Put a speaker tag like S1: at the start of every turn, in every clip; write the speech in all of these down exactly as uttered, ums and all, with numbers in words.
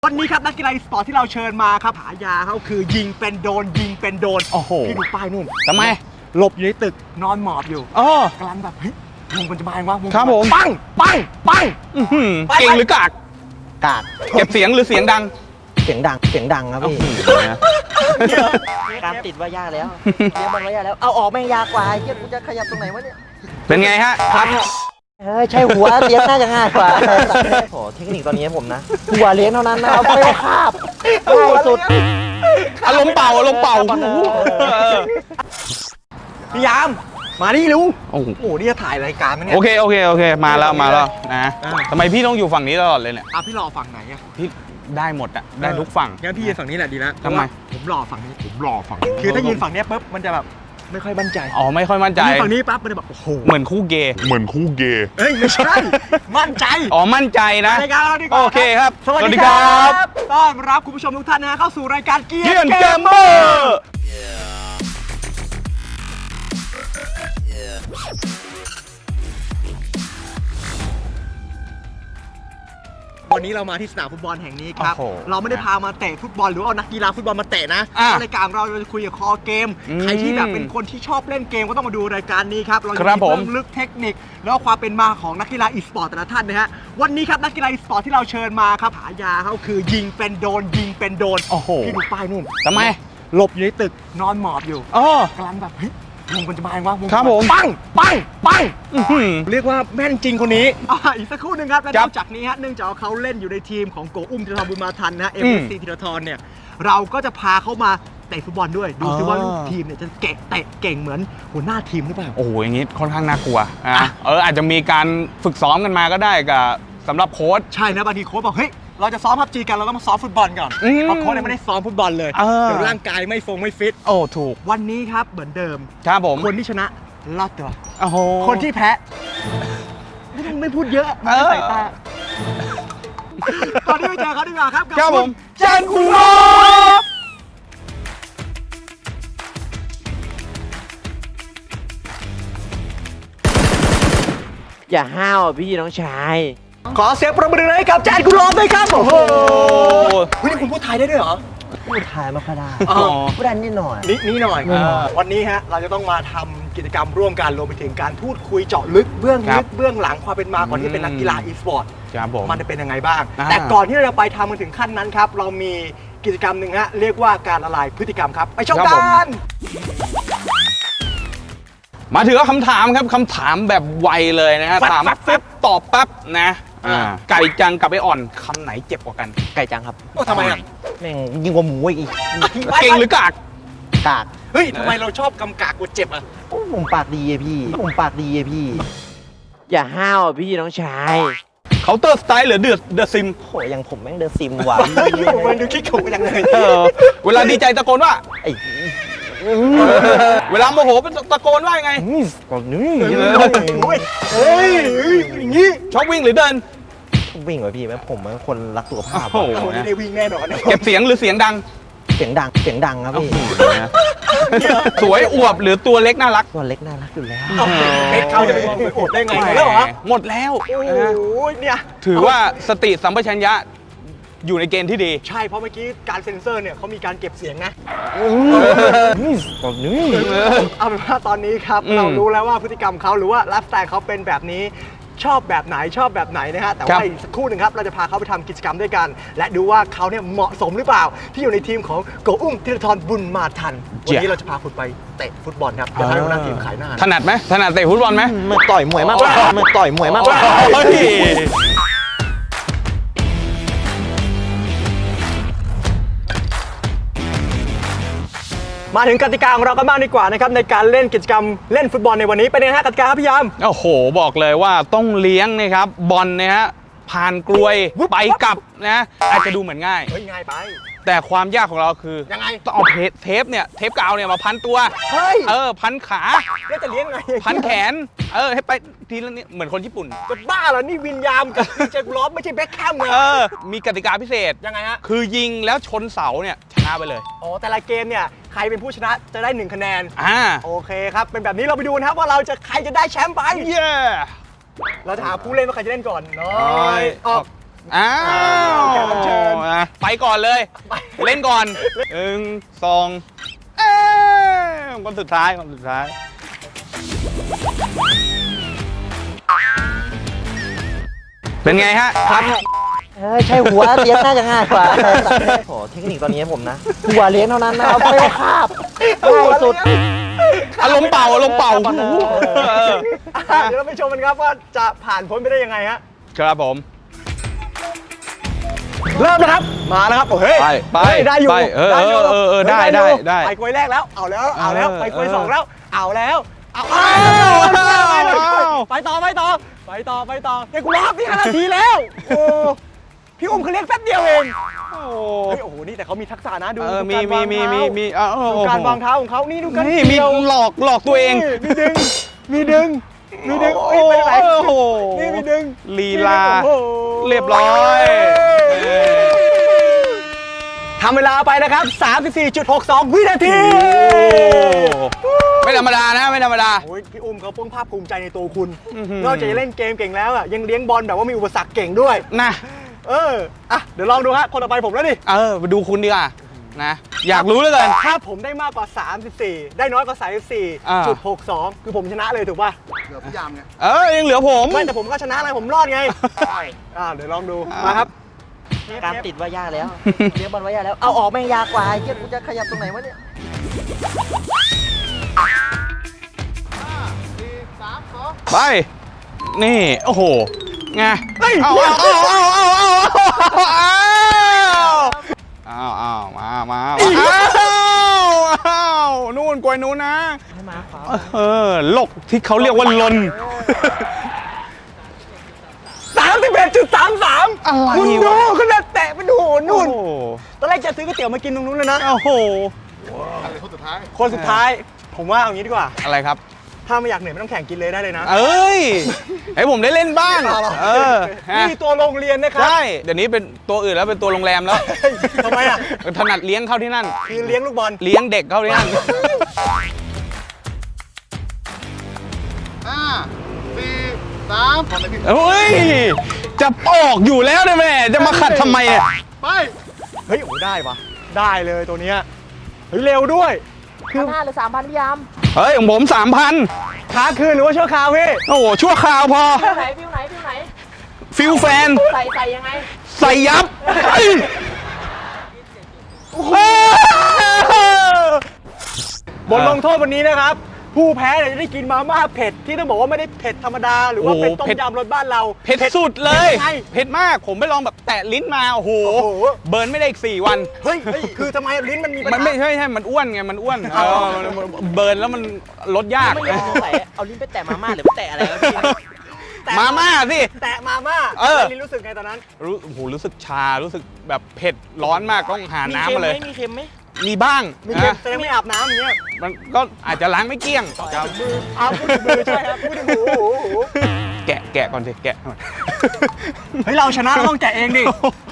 S1: วันนี้ครับนักกีฬาอีสปอร์ตที่เราเชิญมาครับฉายาเขาคือยิงเป็นโดนยิงเป็นโดน
S2: โอ้โห
S1: พี่ดูป้ายนู่น
S2: ทำไม
S1: หลบอยู่ในตึกนอนหมอบอยู่
S2: อ๋อก
S1: ำลังแบบเฮ้ยมึงมันจะมาเองวะง
S2: ครับผม
S1: ปังปังปัง
S2: อื้อหือ
S1: ไป
S2: เก่งหรือกาก
S3: กาก
S2: เก็บเสียงหรือเสียงดัง
S3: เสียงดังเสียงดังครับพี่ การติดว่ายากแล้วเลี้ยงมันว่ายากแล้วเอาออกแม่งยากกว่าไอ้เหี้ยกูจะขยับตรงไหนวะเนี่ย
S2: เป็นไงฮะครับ
S3: เฮ้ยใช่หัวเลี้ยงน่าจะง่ายกว่าโอ้เทคนิคตอนนี้ผมนะหัวเลี้ยงเท่านั้นนะเอาไปคาบง่ายสุด
S2: อารมณ์เป่าอารมณ์เป่า
S3: เออ
S1: พี่ยามมานี่ลุง
S2: โอ้โห
S1: โอ้โหนี่จะถ่ายรายการมั้ยเนี่ย
S2: โอเคโอเคโอเคมาแล้วมาแล้วนะ
S1: อ่า
S2: ทำไมพี่ต้องอยู่ฝั่งนี้ตลอดเลยเนี่ย
S1: อ่ะพี่รอฝั่งไหนอะ
S2: พี่ได้หมดอะได้ทุกฝั่ง
S1: งั้นพี่ยืนฝั่งนี้แหละดีแล้ว
S2: ทำไม
S1: เพราะว่าผมรอฝั่งนี้ผมรอฝั่งนี้คือถ้ายืนฝั่งเนี้ยปุ๊บมันจะแบบไม่ค่อยมั่นใจ
S2: อ๋อไม่ค่อยมั่นใจ
S1: ยืนฝั่งนี้ปั๊บมันจะแบบโอ้โห
S2: เหมือนคู่เกย์
S4: เหมือนคู่เกย์
S1: เอ้ยไม่ใช่มั่นใจ
S2: อ๋อมั่นใจนะ
S1: รายการเราดีกว่า
S2: โอเคครับ
S1: สวัสดีครับต้อนรับคุณผู้ชมทุกท่านนะฮะเข้าสู่รายการเกีย
S2: เกีย
S1: ร์
S2: น
S1: เก
S2: เก
S1: ม
S2: ม
S1: เม
S2: เม
S1: อ
S2: อ
S1: ร์
S2: ร์
S1: วันนี้เรามาที่สนามฟุตบอลแห่งนี้ครับ
S2: โอ้โห
S1: เราไม่ได้พามาเตะฟุตบอลหรือว่าเอานักกีฬาฟุตบอลมาเตะนะ
S2: อ่ะ
S1: รายการเราจะคุยกับคอเกม
S2: อืม
S1: ใครที่แบบเป็นคนที่ชอบเล่นเกมก็ต้องมาดูรายการนี้ครับเราจะ
S2: ครับ
S1: มี
S2: ผม
S1: เรื่องลึกเทคนิคแล้วก็ความเป็นมาของนักกีฬาอีสปอร์ตแต่ละท่านนะฮะวันนี้ครับนักกีฬาอีสปอร์ตที่เราเชิญมาครับฉายาเขาคือยิงเป็นโดนยิงเป็นโดน
S2: โอ้โห
S1: พี่ดูป้ายนู่น
S2: ทำไม
S1: หลบอยู่ในตึกนอนหมอบอยู่
S2: อ๋อก
S1: ำลังแบบเฮ้ยมึงมันจะมาเองวะง
S2: ครับผม
S1: ปังปังปัง
S2: อื้อหือ
S1: เรียกว่าแม่นจริงคนนี้อ่ะอีกสักครู่หนึ่งครับและ
S2: ครั
S1: น
S2: บ
S1: อกจากนี้ฮะเนื่องจากว่าเขาเล่นอยู่ในทีมของโกอุ้มธีรทรบุญมาทันนะฮะเอ็ม
S2: อื
S1: เอ
S2: ม
S1: สซีธีรทรเนี่ยเราก็จะพาเขามาเตะฟุตบอลด้วย ดูซิ
S2: อ๋อ
S1: ว่าลูกทีมเนี่ยจะเก่งเตะเก่งเหมือนหัวหน้าทีมหรือเปล่า
S2: โอ้โหอย่างนี้ค่อนข้างน่ากลัวอ่ะ
S1: อ่ะ
S2: เอออาจจะมีการฝึกซ้อมกันมาก็ได้กับสำหรับโค้ช
S1: ใช่นะบางทีโค้ชบอกเฮ้ยเราจะซ้อมพับจีกันเราต้องมาซ้อมฟุตบอลก่อน
S2: อืม
S1: เพราะโค้ชเนี่ยไม่ได้ซ้อมฟุตบอลเลย
S2: เออ
S1: เดี๋ยวร่างกายไม่ฟงไม่ฟิต
S2: โอ้ถูก
S1: วันนี้ครับเหมือนเดิม
S2: ครับผม
S1: คนที่ชนะรอดตัว
S2: โอ้โห
S1: คนที่แพ้ไม่ต้องไม่พูดเยอะ
S2: เออ
S1: ใส่ตาตอนนี้ไปเจอเขาดีกว่าครับกั
S2: ครับผม
S1: เจนคุณรบ
S3: อย่าห้าวอ่ะพี่น้องชาย
S1: ขอเสียงประมือให้กับแจนคุณรบด้วยครับโอ้โหเฮ้ยคุณพูดไทยได้ด้วยเหรอ
S3: พูดไทยไม่ค่อยได้
S1: อ๋อ
S3: พูดได้นิดหน่อย
S1: นิดนี้หน่อย
S2: อ่า
S1: วันนี้ฮะเราจะต้องมาทำกิจกรรมร่วมกันรวมไปถึงการพูดคุยเจาะลึกเบื้อง
S2: ครั
S1: ลึ
S2: บ
S1: กเบื้องหลังความเป็นมาก่อนที่เป็นนักกีฬาอีสปอร์ต
S2: ครับผม
S1: มันจะเป็นยังไงบ้าง
S2: อ่า
S1: แต่ก่อนที่เราจะไปทำกันถึงขั้นนั้นครับ เรามีกิจกรรมหนึ่งฮะเรียกว่าการละลายพฤติกรรมครับ ไปชมกัน
S2: มาถึงคำถามครับคำถามแบบไวเลยนะฮะ
S1: ปั๊บ
S2: ถาม
S1: ปั๊บ
S2: ปั๊บตอบปั๊บนะ
S1: อ่า
S2: อ่าไก่จังกับไออ่อนคำไหนเจ็บกว่ากัน
S3: ไก่จังครับ
S1: โอ้ทำไมอ่ะ
S3: แม่งยิ่งกว่าหมูอีก
S2: เก่งหรือกาก
S3: กาก
S1: เฮ้ยทำไมเราชอบกำกากกว่าเจ็บอ่ะ
S3: โอ้ผมปากดีอะพี่ผมปากดีอะพี่ อย่าห้าวอ่ะพี่น้องชาย
S2: เคาน์เตอร์สไตล์หรือเดือดเดอะซิม
S3: โหยังผมแม่งเดินซิมว่ะ
S1: เฮ้ยมันดูคิดขู่ยังไง
S2: เออเวลาดีใจตะโกนว่า
S3: ไอ้
S2: เวลาโมโหเป็นตะโกนว่ายังไง
S3: นี่ก่อนนี่
S1: โอ้ยเฮ้ยเฮ้ยอย่างงี้
S2: ชอบวิ่งหรือเดิน
S3: วิ่งว่ะพี่แม่ผมเป็นคนรักสุขภาพ
S2: โอ้โห
S1: โอ้ยได้วิ่งแน่นอนนะ
S2: เก็บเสียงหรือเสียงดัง
S3: เสียงดังเสียงดังครับพี่
S2: สวยอวบหรือตัวเล็กน่ารัก
S3: ตัวเล็กน่ารักอยู่แล้ว
S1: เอาเอ็กเขาจะไปมองไปโอดได้ไงแล้วเหรอ
S2: หมดแล้ว
S1: โอ้
S2: นะฮะ
S1: ยเนี่ย
S2: ถือว่าสติสัมปชัญญะอยู่ในเกณฑ์ที่ดี
S1: ใช่เพราะเมื่อกี้การเซ็นเซอร์เนี่ยเขามีการเก็บเสียงนะ
S3: นี่ก่อนนี่
S1: เอาเป็นว่าตอนนี้ครับ
S2: อืม
S1: เรารู้แล้วว่าพฤติกรรมเขาหรือว่าไลฟ์สไตล์เขาเป็นแบบนี้ชอบแบบไหนชอบแบบไหนนะฮะแต่
S2: ครั
S1: ว่า
S2: บ
S1: อีกสักครู่หนึ่งครับเราจะพาเขาไปทำกิจกรรมด้วยกัน และดูว่าเขาเนี่ยเหมาะสมหรือเปล่า ที่อยู่ในทีมของโกอุ้มธีรทรบุญมาทันวันนี้เราจะพาคุณไปเตะฟุตบอลครับเดี๋ยวให้หัวหน้าทีมขายหน้า
S2: ถนัดไหมถนัดเตะฟุตบอลไหม
S3: มันต่อยมวยมากกว่ามันต่อยมวยมากกว่า
S2: เฮ้ย
S1: มาถึงกติกาของเรากันบ้างดีกว่านะครับในการเล่นกิจกรรมเล่นฟุตบอลในวันนี้เป็นยังไงฮะกติกาครับพี่ยาม
S2: โอ้โหบอกเลยว่าต้องเลี้ยงนะครับบอลนะฮะผ่านกลวยไปกลับนะอาจจะดูเหมือนง่าย
S1: เฮ้ยง่ายไป
S2: แต่ความยากของเราคือ
S1: ยังไง
S2: ต้องเอาเทปเทปเนี่ยเทปกาวเนี่ยมาพันตัว
S1: เฮ้ย
S2: เออพันขา
S1: แล้วจะเลี้ยงไง
S2: พันแขนเออให้ไปทีละนิดเหมือนคนญี่ปุ่น
S1: จะบ้าเหรอนี่วินยามกับดีเจกล้อมไม่ใช่แบ็คแคมเลย
S2: เออมีกติกาพิเศษ
S1: ยังไงฮะ
S2: คือยิงแล้วชนเสาเนี่ยชนะไปเลย
S1: อ๋อแต่ละเกมเนี่ยใครเป็นผู้ชนะจะได้หนึ่งคะแนน
S2: อ่า
S1: โอเคครับ เป็นแบบนี้เราไปดูนะครับว่าเราจะใครจะได้แชมป์ไป
S2: เย้
S1: เราจะหาผู้เล่นว่าใครจะเล่นก่อนน้
S2: น้
S1: อ
S2: อย ย
S1: ออก
S2: อ้าว
S1: แขกรับเชิญ
S2: อ่ะไปก่อนเลย เล่นก่อนหนึ่งสองเอ้ยคนสุดท้ายคนสุดท้าย เป็นไงฮะครับ
S3: เออใช่หัวเลี้ยงน่าจะง่ายกว่าโอ้เทคนิคตอนนี้ผมนะหัวเลี้ยงเท่านั้นนะครับไม่ว่าคาบง่ายสุด
S2: อารมณ์เป่าอารมณ์เป่า
S1: เอออ่ะเดี๋ยวเราไปชมกันครับว่าจะผ่านพ้นไปได้ยังไงฮะ
S2: ครับผม
S1: เริ่มนะครับมาแล้วครับโอ้เฮ้ย
S2: ไปไป
S1: เฮ้ยได้อยู่
S2: ไปเออ
S1: ได้ยู่
S2: เออเออได้
S1: ฮ้ย
S2: ได้
S1: อยู่
S2: ได้
S1: ไปกล้วยแรกแล้วเอาแล้วเอาแล้ว
S2: เออ
S1: ไปกล้วย
S2: เออ
S1: สองแล้วเอาแล้วเอา
S2: อ้าว
S1: ไปต่อไปต่อไปต่อไปต่อเฮ้ยกูรอบนี่ห้านาทีแล้วโอ้พี่อุ้มเขาเรียกแป๊บเดียวเอง
S2: โอ้
S1: เฮ้ยโอ้โหนี่แต่เขามีทักษะนะดู
S2: เออ
S1: ดู
S2: มี
S1: การ
S2: มี
S1: วาง
S2: มี
S1: เท้า
S2: มีมีเออเออ
S1: ดูการวางเท้าของเขานี่ดูกัน
S2: นี่มี
S1: เกี่ยว
S2: หลอกหลอกตัวเอง
S1: นี่มีดึงมีดึงมีดึง
S2: โอ้
S1: เอ้ยไปไหน
S2: โห
S1: นี่มีดึง
S2: ลีลา
S1: โอ้โห
S2: เรียบร้อยเออ
S1: ทำเวลาไปนะครับ สามสิบสี่จุดหกสอง วินาที
S2: ไม่ธรรมดานะไม่ธรรมดา
S1: โอ้ยพี่อุ้มเขาเพิ่งภาคภูมิใจในตัวคุณ
S2: อื้อหือน
S1: อกจากจะเล่นเกมเก่งแล้วอ่ะยังเลี้ยงบอลแบบว่ามีอุปสรรคเก่งด้วย
S2: นะ
S1: เออ อ่ะ เดี๋ยวลองดูฮะ คนต่อไปผมแล้วดิ
S2: เออไปดูคุณดีกว่านะ อยากรู้เหลยกัน
S1: ถ้าผมได้มากกว่า สามสิบสี่ ได้น้อยกว่า สามสิบสี่จุดหกสอง คือผมชนะเลยถูกป่ะ
S4: เหลือพี่ยามไง
S2: เออยังเหลือผม
S1: ไม่แต่ผมก็ชนะอะไรผมรอดไง อ่าเดี๋ยวลองดู มาครับ
S3: การติดว่ายากแล้วเลี้ยงบอลว่ายากแล้วเอาออกแม่งยากกว่าไอ้เหี้ยกูจะขยับตรงไหนวะเนี่ย
S2: ไป นี่ โอ้โห ไง
S1: เฮ้ย
S2: เอาเอาเอาเอาเอาเอาเอาเอาเอามามาเอาเอานู่นกลวยนู้นนะ
S3: ให้มาขวา
S2: เออโลกที่เขาเรียกว่าลน
S1: สามสิบเอ็ดจุดสามสาม
S2: อะไร
S1: คุณดู
S2: วะ
S1: คุณจะแตะไปดูนู่น
S2: โอ้โห
S1: ตอนแรกจะซื้อก๋วยเตี๋ยวมากินตรงนู้นเลยนะ
S2: โอ้โห
S4: อะไรคนสุดท้าย
S1: คนสุดท้าย ผมว่าเอางี้ดีกว่า
S2: อะไรครับ
S1: ถ้าไม่อยากเหนื่อยไม่ต้องแข่งกินเลยได้เลยนะ
S2: เอ้ย ให้ผมได้เล่นบ้าง เออฮะ
S1: นี่ตัวโรงเรียนนะครับ
S2: ใช่ เดี๋ยวนี้เป็นตัวอื่นแล้วเป็นตัวโรงแรมแล้ว
S1: เฮ้ยทำไมอ่ะ
S2: ถนัดเลี้ยงเข้าที่นั่น
S1: คือเลี้ยงลูกบอล
S2: เลี้ยงเด็กเข้าที่นั่น
S4: ห้า สี่ สามทำอะไรพี่
S2: เฮ้ย จะออกอยู่แล้วเนี่ยแม่จะมาขัดทำไมเนี่ย
S4: ไป
S1: เฮ้ยโอ้ได้ปะได้เลยตัวเนี้ยเฮ้ยเร็วด้วย
S3: คือห้าหรือสามพันพี่ยาม
S2: เฮ้ยของผมสามพัน
S1: ค้าคืนหรือว่าชั่วคราวพี่
S2: โอ้โห ชั่วคราวพอ
S3: ฟิวไหนฟิวไหนฟิวไหน
S2: ฟิลแฟน
S3: ใส่ใส่ยังไง
S2: ใส่ยับเฮ้ยโอ้โห
S1: บทลงโทษวันนี้นะครับ ผู้แพ้เนี่ยจะได้กินมาม่าเผ็ดที่ต้องบอกว่าไม่ได้เผ็ดธรรมดา หรือว่าเป็นต้มยำรสบ้านเรา
S2: เผ็ดสุดเลย
S1: ไง
S2: เผ็ดมาก ผมไปลองแบบแตะลิ้นมา โอ้โห
S1: โอ้โห
S2: เบิร์นไม่ได้อีกสี่วัน
S1: เฮ้ยเฮ้ยคือทำไมลิ้นมันมีปัญ
S2: มัน
S1: หา
S2: ไม่ใช่ใช่ มันอ้วนไง มันอ้วนเออมันเบิร์นแล้วมันลดยาก
S3: ไม่ยอมใส่เอาลิ้นไปแตะมาม่าหรือไปแตะอะไรวะพี่
S1: แตะ
S2: มาม่าสิ
S1: แตะมาม่า
S2: เออ
S1: ลิ้นรู้สึกไงตอนนั้น
S2: รู้โอ้โหรู้สึกชา รู้สึกแบบเผ็ดร้อนมากต้องหา
S3: มี
S2: น้ำ
S3: เค็ม
S2: มา
S3: ไหม
S2: เลย
S3: มีเค็มไหม
S2: มีบ้าง
S1: มีเค็ม
S2: นะ
S1: แสดงไม่อาบน้ำอย่างเงี้ย
S2: มันก็อาจจะล้างไม่เกลี้ยงครับ
S1: อาบพูดถึงมือใช่ครับพูดถึงหูหูหู
S2: แกะแกะก่อนสิแกะก่อน
S1: เฮ้ยเราชนะเราต้องแกะเองดิ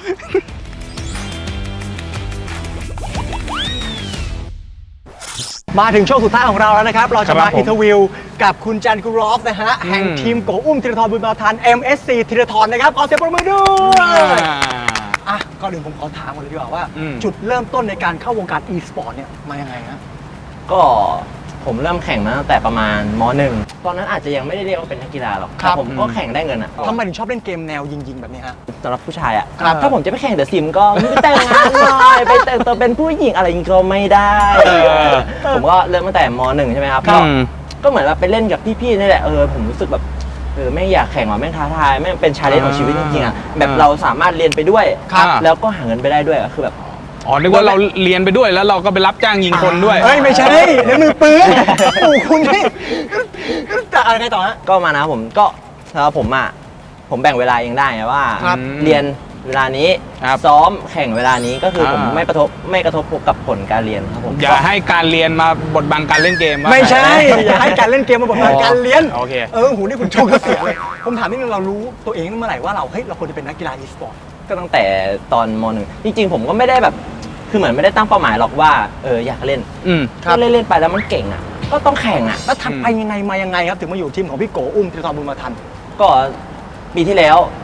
S1: มาถึงช่วงสุดท้ายของเราแล้วนะครับ เราจะ
S2: ครั
S1: มา
S2: บผม
S1: อินเทอร์วิวกับคุณจันกุรอฟนะฮะ
S2: อืม
S1: แห่งทีมโกอุ้มธีรทรบุญมาทัน เอ็ม เอส ซี ธีรทรนะครับ ขอเสียงปรบมือด้วย อ่ะก่อนอื่นผมขอถามก่อนเลยดีกว่าว่า
S2: อืม
S1: จุดเริ่มต้นในการเข้าวงการ e-sport เนี่ยมายังไงฮะ
S3: ก็ผมเริ่มแข่งมาตั้งแต่ประมาณมหนึ่งตอนนั้นอาจจะยังไม่ได้เรียกว่าเป็นนักกีฬาหรอก
S1: ครับ
S3: แต่ผมก็แข่งได้เงินอ่ะ
S1: ทำไมถึงชอบเล่นเกมแนวยิงๆ แบบนี้ฮะ
S3: สำหรับผู้ชายอ่ะ
S1: ครับ
S3: ถ้าผมจะไปแข่งเดอะซิมก็ไม่แต่งงานหน่อย ไปแต่งตัวเป็นผู้หญิงอะไรอย่างงี้ก็ไม่ได้
S2: เออ
S3: ผมก็เริ่มตั้งแต่มหนึ่งใช่ไหมครับ
S2: อื
S3: ก็
S2: ม
S3: ก็เหมือนว่าไปเล่นกับพี่ๆนี่แหละเออผมรู้สึกแบบเออไม่อยากแข่งว่ะแม่งท้าทายแม่งเป็นชาเลนจ์ของชีวิตจริงๆอ่ะแบบ
S2: อ่า
S3: เราสามารถเรียนไปด้วย
S2: ครับ
S3: แล้วก็หาเงินไปได้ด้วยอะคือแบบ
S2: อ๋อ นึกว่าเราเรียนไปด้วยแล้วเราก็ไปรับจ้างยิงคนด้วย
S1: เฮ้ย ไม่ใช่เดี๋ยวมือปืนโอ้โหคุณนี่จะอะไรต่อฮะ
S3: ก็มานะผมก็สำหรับผมอ่ะผมแบ่งเวลาเองได้ไงว่า
S1: ครับ
S3: เรียนเวลานี้
S2: ครับ
S3: ซ้อมแข่งเวลานี้ก็คือผม
S2: อ่า
S3: ไม่กระทบไม่กระทบกับผลการเรียนครับผม
S2: อย่าให้การเรียนมาบดบังการเล่นเกมว่า
S1: ไม่ใช่ อย่าให้การเล่นเกมมาบทบาทการเรียน
S2: โอเค
S1: เออหูนี่คุณชมก็เสียเลย ผมถามนิดนึงเรารู้ตัวเองเมื่อไหร่ว่าเราเฮ้ยเราควรจะเป็นนักกีฬา e-sport
S3: ก็ตั้งแต่ตอนมหนึ่งจริงๆ ผมก็ไม่ได้แบบคือเหมือนไม่ได้ตั้งเป้าหมายหรอกว่าเอออยากเล่น
S2: อืม
S3: ก็เล่นเล่นๆไปแล้วมันเก่งอ่ะก็ต้องแข่งอ่ะ
S1: แล้วทำไปยังไงมายังไงครับ ถึงมาอยู่ทีมของพี่โกอุ้มธีรทรบุญมาทัน
S3: ก็ปีที่แล้ว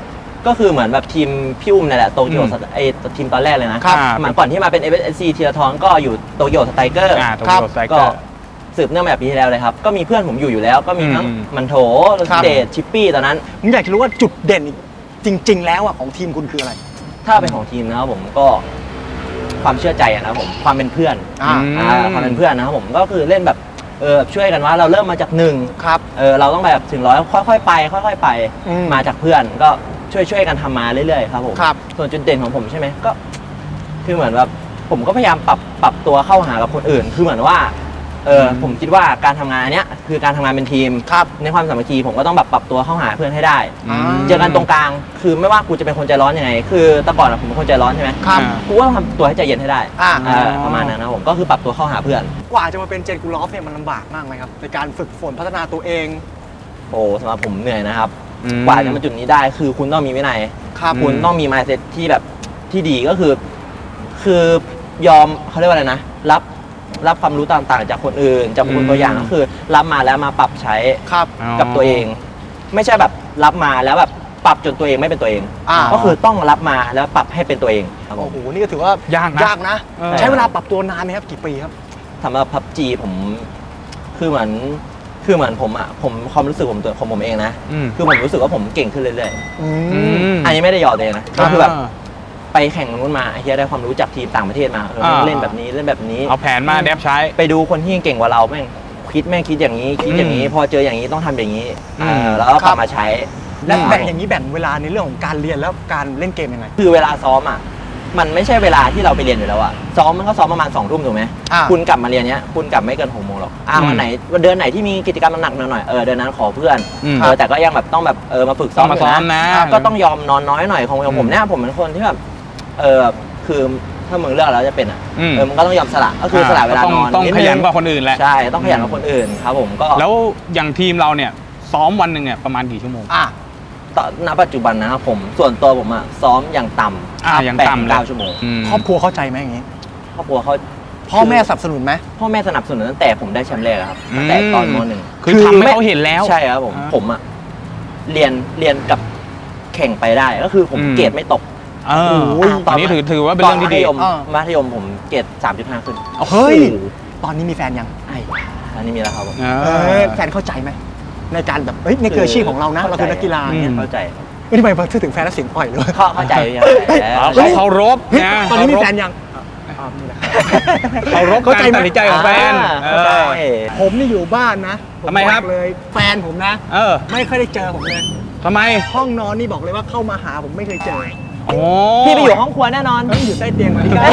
S3: ก็คือเหมือนแบบทีมพี่อุ้มนี่แหละโตเกียวไอทีมตอนแรกเลยนะครับ สมัยก่อนที่มาเป็น เอฟ เอส ซี ทีละทอนก็อยู่โตเกียวสไตรเกอร์
S2: อ่าโตเกียวสไตรเก
S3: ก็
S2: อร์
S3: สืบเนื่องมาจากปีที่แล้วเลยครับ ก็มีเพื่อนผมอยู่อยู่แล้ว ก็มีทั้ง
S2: อืม
S3: มันโถโรสเดชชิปปี้ตอนนั้น
S1: ผมอยากจะรู้ว่าจุดเด่นจริง ๆ แล้วอ่ะของทีมคุณคืออะไร
S3: ถ้าเป็นของทีมนะครับผมก็ความเชื่อใจอะนะครับผมความเป็นเพื่อน
S1: อ่า
S3: อ่าความเป็นเพื่อนนะครับผมก็คือเล่นแบบเออช่วยกันว่าเราเริ่มมาจากหนึ่ง
S1: ครับ
S3: เออเราต้องแบบถึงร้อยค่อยๆไป ค่อยๆไป
S1: อืม
S3: มาจากเพื่อนก็ช่วยช่วยๆกันทำมาเรื่อยๆครับผม
S1: ครับ
S3: ส่วนจุดเด่นของผมใช่ไหมก็ คือเหมือนแบบผมก็พยายามปรับปรับตัวเข้าหากับคนอื่น คือเหมือนว่าเออผมคิดว่าการทำงานอันเนี้ยคือการทำงานเป็นทีม
S1: ครับ
S3: ในความสามัคคีผมก็ต้องแบบปรับตัวเข้าหาเพื่อนให้ได้
S1: อ่า
S3: เจอกันตรงกลาง คือไม่ว่ากูจะเป็นคนใจร้อนยังไง คือแต่ก่อนอะผมเป็นคนใจร้อนใช่ไหม
S1: ครับ
S3: กูก็ต้องทำตัวให้ใจเย็นให้ได้
S1: อ่า
S3: เออประมาณนั้นนะผม ก็คือปรับตัวเข้าหาเพื่อน
S1: กว่าจะมาเป็นเจนกูลอฟเนี่ยมันลำบากมากไหมครับ ในการฝึกฝนพัฒนาตัวเอง
S3: โอ้สำหรับผมเหนื่อยนะครับ
S2: อืม
S3: กว่าจะมาจุดนี้ได้ คือคุณต้องมีวินัย
S1: ครับ
S3: คุณต้องมี mindset ที่แบบที่ดีก็คือ คือยอมเขาเรียกว่าอะไรนะ รับรับความรู้ต่างๆ จากคนอื่น จากคนตัวอย่าง
S2: อืม
S3: ก็คือรับมาแล้วมาปรับใช้
S1: ครับ
S3: กับตัวเอง ไม่ใช่แบบรับมาแล้วแบบปรับจนตัวเองไม่เป็นตัวเอง
S1: อ่า
S3: ก็คือต้องรับมาแล้วปรับให้เป็นตัวเองครับผ
S1: โอ้
S3: ม
S1: โห นี่ก็ถือว่าย
S2: ากนะ
S1: ยากนะ
S2: เออ
S1: ใช้เวลาปรับตัวนานไหมครับ กี่ปีครับ
S3: สำหรับพับจีผมคือเหมือนคือเหมือนผมอ่ะผมความรู้สึกผมตัวของผมเองนะ
S2: อืม
S3: คือผมรู้สึกว่าผมเก่งขึ้นเรื่อย
S1: อื
S2: อื
S1: ม
S2: ม
S3: ๆอันนี้ไม่ได้หยอดเลยนะก็คือแบบ
S2: า
S3: ไปแข่งนู้นมาไอ้เฮียได้ความรู้จากทีมต่างประเทศมาเออ
S2: อ่า
S3: เล่นแบบนี้เล่นแบบนี้
S2: เอาแผนมาแดบใช้
S3: ไปดูคนที่เก่งกว่าเราแม่งคิดแม่งคิดอย่างนี้ คิดอย่างนี้
S2: อืม
S3: พอเจออย่างนี้ต้องทำอย่างนี้
S2: อืม
S3: เออแล้วก็กลับมาใช้
S1: และ
S3: อืม
S1: แบ่งอย่างนี้แบ่งเวลาในเรื่องของการเรียนแล้วการเล่นเกมยังไง
S3: คือเวลาซ้อมอ่ะมันไม่ใช่เวลาที่เราไปเรียนอยู่แล้วอ่ะซ้อมมันก็ซ้อมประมาณสองทุ่มถูกไหม
S1: อ่า
S3: คุณกลับมาเรียนเนี้ยคุณกลับไม่เกินหกโมงหรอกอ่า
S2: อืม
S3: วันไหนวันเดือนไหนที่มีกิจกรรมหนักๆหน่อยๆเออเดือนนั้นขอเพื่อน
S2: อืม
S3: เออแต่ก็ยังแบบต้องแบบเออมาฝึกซ้
S2: ต้
S3: อ
S2: อ
S3: ม
S2: งมาซ้อมนะ
S3: ยู่ก็ต้องยอมนอนน้อยหน่อยของ
S2: อืม
S3: ผมเนี่ยผมเป็นคนที่แบบเออคือถ้ามึงเลือกแล้วจะเป็นอ่ะ
S2: อืม
S3: เออมึงก็ต้องยอมสละก็คือสละเวลา
S2: ต้อง
S3: นอน
S2: ต้อง
S3: ด
S2: ขยัน
S3: ง
S2: กว่าคนอื่นแหละ
S3: ใช่ต้องขยันกว่าคนอื่นครับผมก็
S2: แล้วอย่างทีมเราเนี่ยซ้อมวันหนึ่งเนี่ยประมาณกี่ชั่วโมง
S1: อ่ะ
S3: ตอนณปัจจุบันนะครับผมส่วนตัวผมอ่ะซ้อมอย่างต่ำ
S2: อ่าอย่าง
S3: แปด
S2: ต่ำ
S3: ถึง
S2: เลย
S3: เก้าชั่วโมง
S2: อืม
S1: ครอบครัวเข้าใจไหมอย่างนี้
S3: ครอบครัวเขา
S1: พ่อแม่สนับสนุนไหม
S3: พ่อแม่สนับสนุนตั้งแต่ผมได้แชมป์แรกอะครับตั้งแต่ตอนมหนึ่ง
S2: คือทำให้เขาเห็นแล้ว
S3: ใช่ครับผม
S2: อ่า
S3: ผมอะเรียนเรียนกับแข่งไปได้ก็คือผม
S2: อืม
S3: เกรดไม่ตก
S2: เออ
S1: โอ้ย
S2: ตอนนี้ถือถือว่าเป็นเรื่องที่ดี
S3: ตนมัธยม
S1: อ่า
S3: มัธยมผมเกรดสามจุดห้าขึ้น
S1: เฮ้ย
S3: โอ้โห
S1: ตอนนี้มีแฟนยัง
S3: ไอ้อันนี้มีแล้วครับผม
S2: เอ
S1: เอ
S2: อ
S1: อแฟนเข้าใจไหมในการแบบเฮ้ยในเกอร์อาชีพของเรานะ เราคือนักกีฬาเนี่ย
S2: อืม
S3: เข้าใจ
S1: เฮ้ยทำไมพอพูดถึงแฟนแล้วเสียงอ่อยเลย
S3: เข้าเข้าใจยัง
S2: เอา
S3: เข้าใจ
S2: เขาเคารพ
S1: เฮ้ย
S2: นะ
S1: ตอนนี้มีแฟน
S2: เคารพ
S1: ยังอ่านี่แหละ
S2: เคารพ
S1: เข้าใจ
S2: การ
S1: ไหม
S2: ตัดสินใจของแฟน
S3: อ่า
S2: เอ
S3: เข้าใจ
S2: อ
S1: ผมนี่อยู่บ้านนะผ
S2: ทำไมครับ
S1: อกเลย แฟนผมนะ
S2: เออ
S1: ไม่ค่อยได้เจอผมเลย
S2: ทำไม
S1: ห้องนอนนี่บอกเลยว่าเข้ามาหาผมไม่เคยเจอ
S2: โอ้
S3: พี่ไปอยู่ห้องครัวแน่นอน
S1: ต้องอยู่ใต้เตียงเหมือนกัน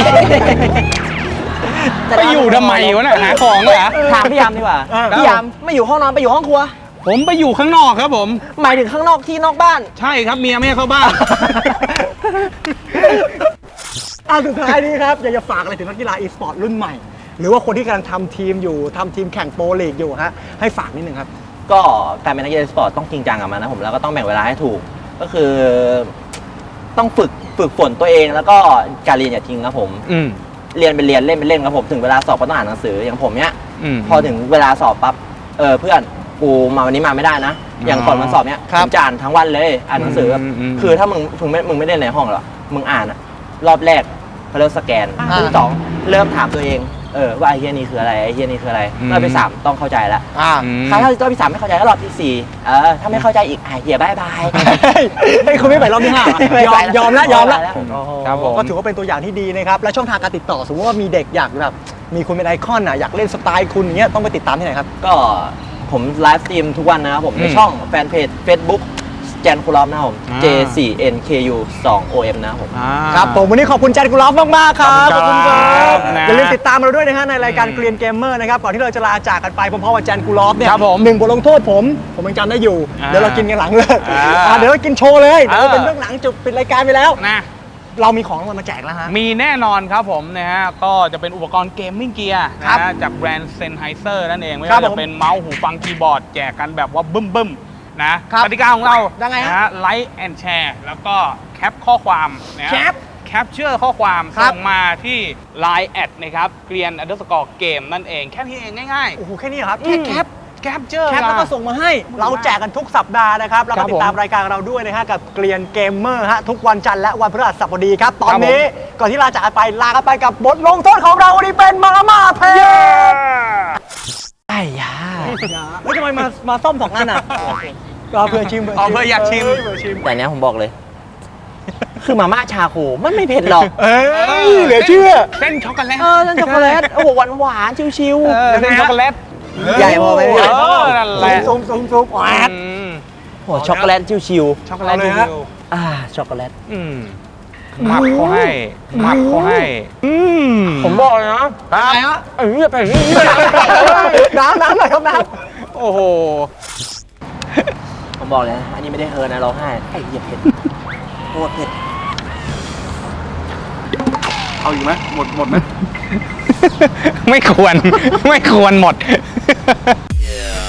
S2: ไปอยู่ทำไมวะเนี่ยหาของเหรอ
S3: ถามพี่ยามดีกว่า
S1: เออ
S3: พี่ยามไม่อยู่ห้องนอนไปอยู่ห้องครัว
S2: ผมไปอยู่ข้างนอกครับผม
S3: หมายถึงข้างนอกที่นอกบ้าน
S2: ใช่ครับเมียไม่ให้เข้าบ้าน
S1: อ่ะสุดท้ายนี้ครับ อยากจะฝากอะไรถึงนักกีฬาอีสปอร์ตรุ่นใหม่ หรือว่าคนที่กำลังทำทีมอยู่ทำทีมแข่งโปรลีกอยู่ฮะให้ฝากนิดนึงครับ
S3: ก็การเป็นนักกีฬาสปอร์ตต้องจริงจังกับมันนะผมแล้วก็ต้องแบ่งเวลาให้ถูก ก็คือต้องฝึกฝึกฝนตัวเองแล้วก็การเรียนอย่าทิ้งครับผม
S2: อืม
S3: เรียนเป็นเรียนเล่นเป็นเล่นครับผมถึงเวลาสอบก็ต้องอ่านหนังสืออย่างผมเนี้ย
S2: อืม
S3: พอถึงเวลาสอบปั๊บเออเพื่อนกูมาวันนี้มาไม่ได้นะ อย่างก่อนวันสอบเนี้ย
S1: ครั
S3: ผ
S1: บ
S3: มจะอ่านทั้งวันเลยอ่านหนังสือแบบ
S2: อืมอืม
S3: คือถ้ามึงมึงไม่มึงไม่ได้ในห้องหรอกมึงอ่านอะรอบแรกเขาเริ่มสแกน
S1: อ่าร
S3: อบที่สองเริ่มถามตัวเองเออว่าไอ้เฮียนี่คืออะไรไอ้เฮียนี่คืออะไร
S2: อืม
S3: รอบที่สามต้องเข้าใจละ
S1: อ่า
S2: อืม
S3: ถ้ารอบที่สามไม่เข้าใจก็รอบที่สี่เออถ้าไม่เข้าใจอีกไอ้เฮียบายบาย
S1: เฮ้ยคุณไม่ไปรอบที่ห้าเหรอยอมยอมแล้วยอมแล้ว
S2: ครับผม
S1: ก็ถือว่าเป็นตัวอย่างที่ดีนะครับ และช่องทางการติดต่อสมมติว่ามีเด็กอยากแบบมีคุณเป็นไอคอนอ่ะอยากเล่นสไตล์คุณอย่างเงี้ยต้องไปติดตามที่ไหนครับ
S3: ก็ผมไลฟ์สตรีมทุกวันนะครับผมใน
S2: อืม
S3: ช่องแฟนเพจ Facebook แจนคูลอฟนะครับผม
S2: อ่า
S3: J โฟร์ เอ็น เค ยู ทู โอ เอ็ม นะครับผม
S2: อ่า
S1: ครับผมวันนี้ขอบคุณแจนกุลอฟมากๆครับ
S2: ขอบคุณครับ
S1: อย่า
S2: นะ
S1: ลืมติดตามเราด้วยนะฮะในรายการเกรียนเกมเมอร์นะครับก่อนที่เราจะลาจากกันไปพร้อมๆกับแจนกุลอฟเนี่ย
S2: ครับผม
S1: หนึ่งบทลงโทษผมผมยังจำได้อยู่
S2: อ่า
S1: เดี๋ยวเรากินกันหลังเลย
S2: อ่า
S1: อ่าเดี๋ยวเรากินโชว์เลยเดี๋ยวเรา
S2: เออ
S1: เป็นเรื่องหลังจบปิดรายการไปแล้ว
S2: นะ
S1: เรามีของรางวัลมาแจกแล้วฮะ
S2: มีแน่นอนครับผมนะฮะ ก็จะเป็นอุปกรณ์เกมมิ่งเกียร์
S1: ครั
S2: นะ
S1: บ
S2: ฮะจากแบรนด์เซนไฮเซอร์นั่นเอง ไม่
S1: ครับ
S2: ว่า
S1: ผ
S2: จะ
S1: ม
S2: เป็นเมาส์หูฟังคีย์บอร์ด แจกกันแบบว่าบึ้มบึ้มๆนะครับ กติกาของเรา
S1: ยังไงฮะ
S2: นะฮะไลค์แอนแชร์แล้วก็แคปข้อความนะฮะ
S1: แคป
S2: แคปเชื่อข้อความ
S1: ครับ
S2: ส่งมาที่ ไลน์ แอดนะครับเกรียนอันเดอร์สกอร์เกมนั่นเองแค่นี้เองง่าย
S1: โอ้โหแค่นี้เหรอครับ
S2: อื
S1: แค่
S2: ม
S1: แคป
S2: แคปเจอร์
S1: แคปแล้วก็ส่งมาให้เราแจกกันทุกสัปดาห์นะครับแล้ว
S2: ครั
S1: ก็
S2: บ
S1: ติดตาม
S2: ผม
S1: รายการเราด้วยนะฮะกับเกลียนเกมเมอร์ฮะทุกวันจันทร์และวันพฤหัสบดีครับตอนนี้ก่อนที่ลาจากกันไปลากันไปกับบทลงโทษของเราวันนี้เป็นมาม่าเพล
S3: ไอ้ยา
S1: แล้วทำไมมามาซ่อมสองอันอ่ะก็เพื่อชิม
S2: อ๋อเพื่ออยากชิม
S1: เเพื่อชิม
S3: แต่เนี้ยผมบอกเลย คือมาม่าชาโคมันไม่เผ็ดหรอก
S1: เอ้ยเหลือเชื่อ
S2: เส้นช็อกโกแลต
S3: เออนั่นช็อกโกแลต โอ้โหหวานหวานๆชิว
S2: เออเส้นช็อกโกแลต
S3: ๆ ใหญ่พอไหมพี่
S2: เออนั่นแหละ
S1: ซุ่มซุ่มซุ่มแหวด
S2: อืม
S3: โอ้โหช็อกโกแลตชิว
S2: ช็อกโกแลต
S1: เอาเลย
S2: ดิ
S1: ฮะ
S2: ว
S3: ๆอ่าช็อกโกแลต
S2: อืมหมักเขาให้หมักเขาให้ อืม
S3: ผมบอกเลยนะ
S1: อะไรฮะ
S3: ไอ้เนี่ยเป็นนี่
S1: น้ำน้ำหน่อยครับน้
S2: โอ้โห
S3: ผมบอกเลยนะอันนี้ไม่ได้เฮิร์นนะร้องไห้ไอ้เหี้ยเผ็ดโคตรเผ็ด
S4: เอาอยู่ไหมหมดหมดไหม
S2: ไม่ควร ไม่ควรหมด
S5: Yeah.